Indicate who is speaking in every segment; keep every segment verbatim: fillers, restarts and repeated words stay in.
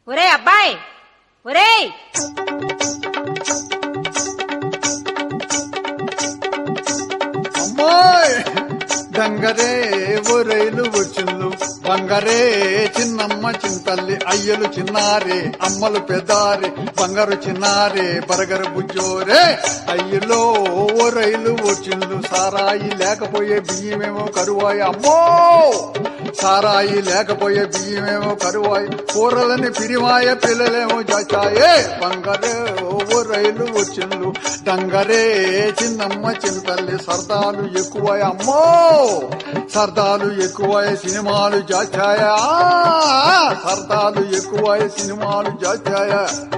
Speaker 1: ఒరే అబ్బాయి, ఒరే
Speaker 2: అమ్మాయి డంగరే ఓ రైలు వచ్చిండు బంగారే చిన్నమ్మ చింతల్లి అయ్యలు చిన్నారే అమ్మలు పెదారే బంగారు చిన్నారే బరగర బుజ్జోరే అయ్యలో ఓ రైలు వచ్చిండు సారాయి లేకపోయే బియ్యమేమో కరువాయి అమ్మో సారాయి లేకపోయే బియ్యమేమో కరువాయి కూరలని పిరివాయ పిల్లలేమో చాచాయే బంగారే ఓ రైలు వచ్చిండు డంగరే చిన్నమ్మ చింతల్లి సరదాలు ఎక్కువ అమ్మో సరదాలు ఎక్కువ సినిమాలు జాచాయా సరదాలు ఎక్కువ సినిమాలు జాచాయా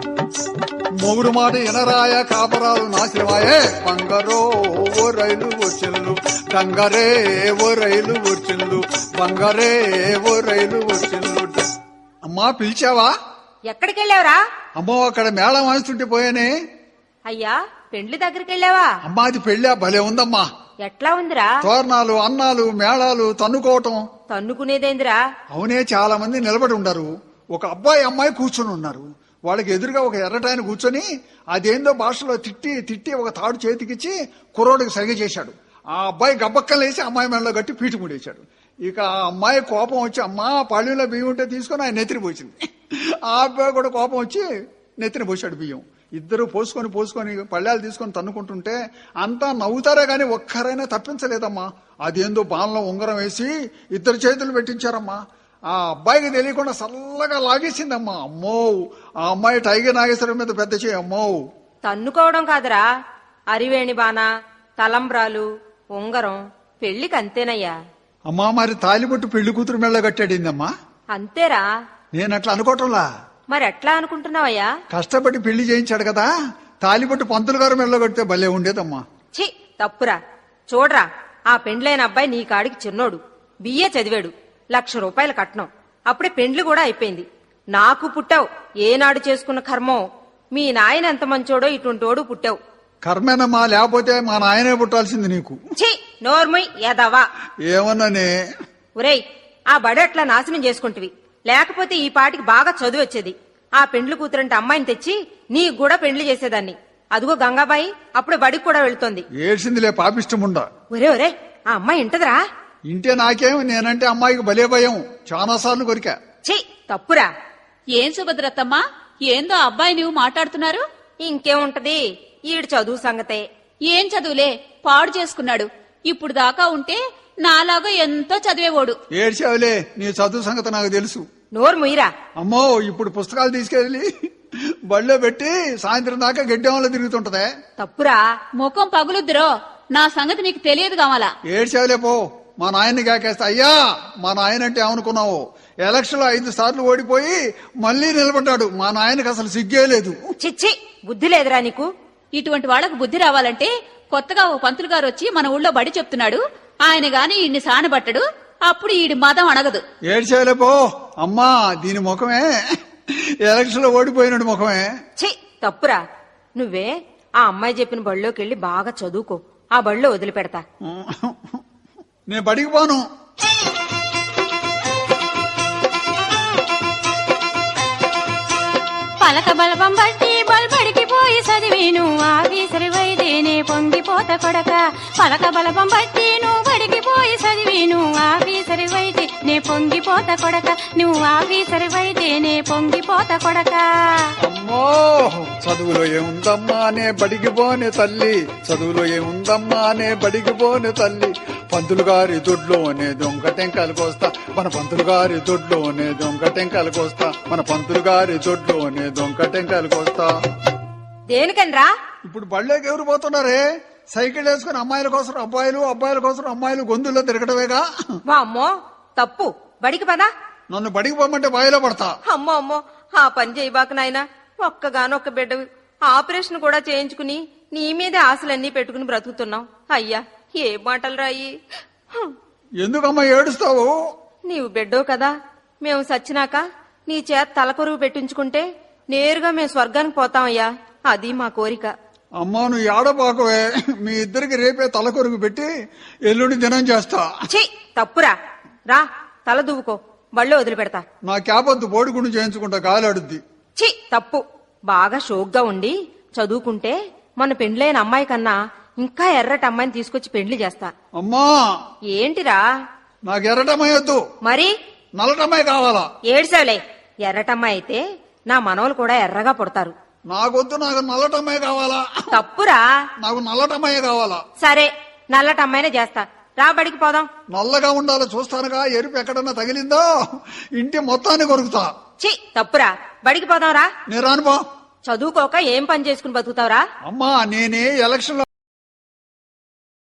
Speaker 2: మొగుడు మాట ఎనరాయ కాపరాలు నాశనమాయే బంగారో ఓ రైలు వచ్చిండు డంగరే ఓ రైలు వచ్చిండు బంగారే ఓ రైలు వచ్చిండు. అమ్మా పిలిచావా?
Speaker 1: ఎక్కడికి వెళ్ళావురా?
Speaker 2: అమ్మో అక్కడ మేళం వాయిస్తుంటే పోయానే.
Speaker 1: అయ్యా పెండ్లి దగ్గరికి వెళ్ళావా?
Speaker 2: అమ్మా అది పెళ్ళా భలే ఉందమ్మా.
Speaker 1: ఎట్లా ఉందిరా?
Speaker 2: తోరణాలు అన్నాలు మేళాలు తన్నుకోవటం.
Speaker 1: తన్నుకునేదేందిరా?
Speaker 2: అవునే చాలా మంది నిలబడి ఉండరు. ఒక అబ్బాయి అమ్మాయి కూర్చొని ఉన్నారు. వాళ్ళకి ఎదురుగా ఒక ఎర్రటాయన కూర్చొని అదేందో భాషలో తిట్టి తిట్టి ఒక తాడు చేతికిచ్చి కుర్రోడికి సైగ చేశాడు. ఆ అబ్బాయి గబ్బక్కలేసి అమ్మాయి మెడలో గట్టి పీటు ముడేశాడు. ఇక ఆ అమ్మాయి కోపం వచ్చి అమ్మా పళ్ళులో బియ్యం ఉంటే తీసుకొని ఆయన నెత్తిని పోసింది. ఆ అబ్బాయి కూడా కోపం వచ్చి నెత్తిని పోసాడు బియ్యం. ఇద్దరు పోసుకొని పోసుకొని పళ్ళాలు తీసుకొని తన్నుకుంటుంటే అంతా నవ్వుతారే గాని ఒక్కరైనా తప్పించలేదమ్మా. అదేందో బాణంలో ఉంగరం వేసి ఇద్దరు చేతులు పెట్టించారమ్మా. ఆ అబ్బాయికి తెలియకుండా చల్లగా లాగేసిందమ్మా. అమ్మో ఆ అమ్మాయి టైగర్ నాగేశ్వరం మీద పెద్ద చేయి. అమ్మో
Speaker 1: తన్నుకోవడం కాదురా, అరివేణి బాణ, తలంబ్రాలు, ఉంగరం పెళ్లికి అంతేనయ్యా.
Speaker 2: అమ్మా మరి తాలిబొట్టు పెళ్లి కూతురు మెళ్ళ కట్టాడిందమ్మా.
Speaker 1: అంతేరా.
Speaker 2: నేను అట్లా అనుకోవటంలా.
Speaker 1: మరి ఎట్లా అనుకుంటున్నావయ్యా?
Speaker 2: కష్టపడి పెళ్లి చేయించాడు కదా, తాలిబొట్టు పంతులు గారు మెళ్ళ కడితే భలే ఉండేదమ్మా.
Speaker 1: ఛీ తప్పురా. చూడరా, ఆ పెండ్లైన అబ్బాయి నీ కాడికి చిన్నోడు, బిఏ చదివాడు, లక్ష రూపాయల కట్నం, అప్పుడే పెండ్లు కూడా అయిపోయింది. నాకు పుట్టావు, ఏనాడు చేసుకున్న కర్మో. మీ నాయన ఎంత మంచోడో ఇటువంటోడు పుట్టావు.
Speaker 2: కర్మేనమ్మా, లేకపోతే మా నాయనే పుట్టాల్సింది నీకు.
Speaker 1: ఛీ నోర్మయ్ ఎదవా.
Speaker 2: ఏమన్నానే?
Speaker 1: ఒరేయ్ ఆ బడి అట్లా నాశనం చేసుకుంటివి, లేకపోతే ఈ పాటికి బాగా చదువు వచ్చేది. ఆ పెండ్లు కూతురంటే అమ్మాయిని తెచ్చి నీకు కూడా పెండ్లి చేసేదాన్ని. అదిగో గంగాబాయి అప్పుడే బడికి కూడా వెళ్తోంది.
Speaker 2: ఏడ్చిందిలే పాపిష్టముండా.
Speaker 1: ఒరే ఒరే ఆ అమ్మాయి ఇంటదిరా?
Speaker 2: ఇంటే నాకేం, నేనంటే అమ్మాయికి భలే భయం. చాలా సార్లు కొరికా.
Speaker 1: ఛీ తప్పురా.
Speaker 3: ఏం సుభద్రత్తమ్మా, ఏందో అబ్బాయి నువ్వు మాట్లాడుతున్నారు?
Speaker 1: ఇంకేముంటది, ఈడు చదువు సంగతే.
Speaker 3: ఏం చదువులే, పాడు చేసుకున్నాడు. ఇప్పుడు దాకా ఉంటే నాలాగా ఎంతో చదివేవాడు.
Speaker 2: ఏడ్చావులే, నీ చదువు సంగతి నాకు తెలుసు.
Speaker 1: నోరు ముయిరా.
Speaker 2: అమ్మో ఇప్పుడు పుస్తకాలు తీసుకెళ్లి బళ్ళో పెట్టి సాయంత్రం దాకా గడ్డెంలో తిరుగుతుంటదే.
Speaker 1: తప్పురా.
Speaker 3: ముఖం పగులుద్దురో, నా సంగతి నీకు తెలియదు కావాలా?
Speaker 2: ఏడ్చావులే పో. మా నాయన్ని కాకేస్తా. అయ్యా మా నాయన అంటే ఏమనుకున్నావు, ఎలక్షన్ లో ఐదు సార్లు ఓడిపోయి మళ్లీ నిలబడ్డాడు. మా నాయనకి అసలు సిగ్గే లేదు.
Speaker 1: చిచ్చి బుద్ధి లేదురా నీకు.
Speaker 3: ఇటువంటి వాళ్లకు బుద్ధి రావాలంటే కొత్తగా ఓ పంతులు గారు వచ్చి మన ఊళ్ళో బడి చెప్తున్నాడు, ఆయన గాని ఈయన్ని సానబట్టడు, అప్పుడు ఈడి మదం అణగదు.
Speaker 2: ఏడ్చావులే పో. అమ్మా దీని ముఖమే ఎలక్షన్ లో ఓడిపోయినాడు ముఖమే.
Speaker 1: ఛీ తప్పురా. నువ్వే ఆ అమ్మాయి చెప్పిన బళ్ళోకి వెళ్లి బాగా చదువుకో, ఆ బళ్ళో వదిలిపెడతా.
Speaker 2: నేను బడికి పోను.
Speaker 4: పలక బలపం బట్టి బల్బడికి పోయి చదివిను ఆఫీసరి వైదేనే పొంగిపోత కొడక. పలక బలపం బట్టి నువ్వు బడికి పోయి చదివిను ఆఫీసరి వైదే నే పొంగిపోత కొడక. నువ్వు ఆఫీసరి వైదేనే పొంగిపోత కొడక.
Speaker 2: అమ్మో చదువులో ఏముందమ్మా నే బడికి పోనే తల్లి, చదువులో ఏముందమ్మా నే బడికి పోనే తల్లి. పంతులు గారి దొడ్లోనే దొంగ టెంకాయలు కోస్తా, మన పంతులు గారి దొడ్లోనే దొంగ టెంకాయలు కోస్తా, మన పంతులు గారి దొడ్లోనే దొంగ టెంకాయలు కోస్తా.
Speaker 1: దేనికనరా?
Speaker 2: ఇప్పుడు బళ్ళోకి ఎవరు పోతున్నారే? సైకిల్ వేసుకుని అమ్మాయిల కోసం అబ్బాయిలు, అబ్బాయిల కోసం అమ్మాయిలు గొంతుల్లో తిరగటమేగా.
Speaker 1: అమ్మో తప్పు, బడికి పదా.
Speaker 2: నన్ను బడికి పోమంటే బాయిలో పడతా.
Speaker 1: అమ్మో అమ్మో ఆ పని చేయబాక నాయనా. ఒక్కగానొక్క బిడ్డవి, ఆపరేషన్ కూడా చేయించుకుని నీ మీదే ఆశలన్నీ పెట్టుకుని బ్రతుకుతున్నావు. అయ్యా ఏ మాటలు రాయి.
Speaker 2: ఎందుకమ్మా ఏడుస్తావు?
Speaker 1: నీవు బిడ్డో కదా, మేము సచ్చినాక నీ చేత తలకొరువు పెట్టించుకుంటే నేరుగా మేము స్వర్గానికి పోతామయ్యా, అది మా కోరిక.
Speaker 2: అమ్మా నువ్వు ఏడబాకవే, మీ ఇద్దరికి రేపే తలకొరుగు పెట్టి ఎల్లుండి దినం చేస్తా.
Speaker 1: ఛీ తప్పురా. రా తల దువ్వుకో, బళ్ళో వదిలిపెడతా.
Speaker 2: నా క్యాపొద్దు బోడిగుండు చేయించుకుంటా గాలాడుద్ది.
Speaker 1: చి తప్పు. బాగా షోక్గా ఉండి చదువుకుంటే మన పెండ్లైన అమ్మాయి కన్నా ఇంకా ఎర్రటి అమ్మాయిని తీసుకొచ్చి పెండ్లి చేస్తా.
Speaker 2: అమ్మా
Speaker 1: ఏంటిరా?
Speaker 2: నాకు ఎర్రటమ్మాయి వద్దు,
Speaker 1: మరి
Speaker 2: నల్లటమ్మాయి కావాలా.
Speaker 1: ఏడ్సావులే. ఎర్రటమ్మాయి అయితే నా మనవలు కూడా ఎర్రగా పుడతారు.
Speaker 2: నాకొద్దు, నాకు నల్లటమ్మాయి కావాలా.
Speaker 1: తప్పురా.
Speaker 2: నాకు నల్లటమ్మాయి కావాలా.
Speaker 1: సరే నల్లటమ్మాయినే చేస్తా. రా బడికి పోదాం.
Speaker 2: నల్లగా ఉండాలో చూస్తానుగా, ఎరుపు ఎక్కడన్నా తగిలిందో ఇంటి మొత్తాన్ని కొరుకుతా.
Speaker 1: చి తప్పురా. బడికి పోదాం రా.
Speaker 2: నేను రానుపో.
Speaker 1: చదువుకోక ఏం పని చేసుకుని బతుకుతావురా?
Speaker 2: అమ్మా నేనే ఎలక్షన్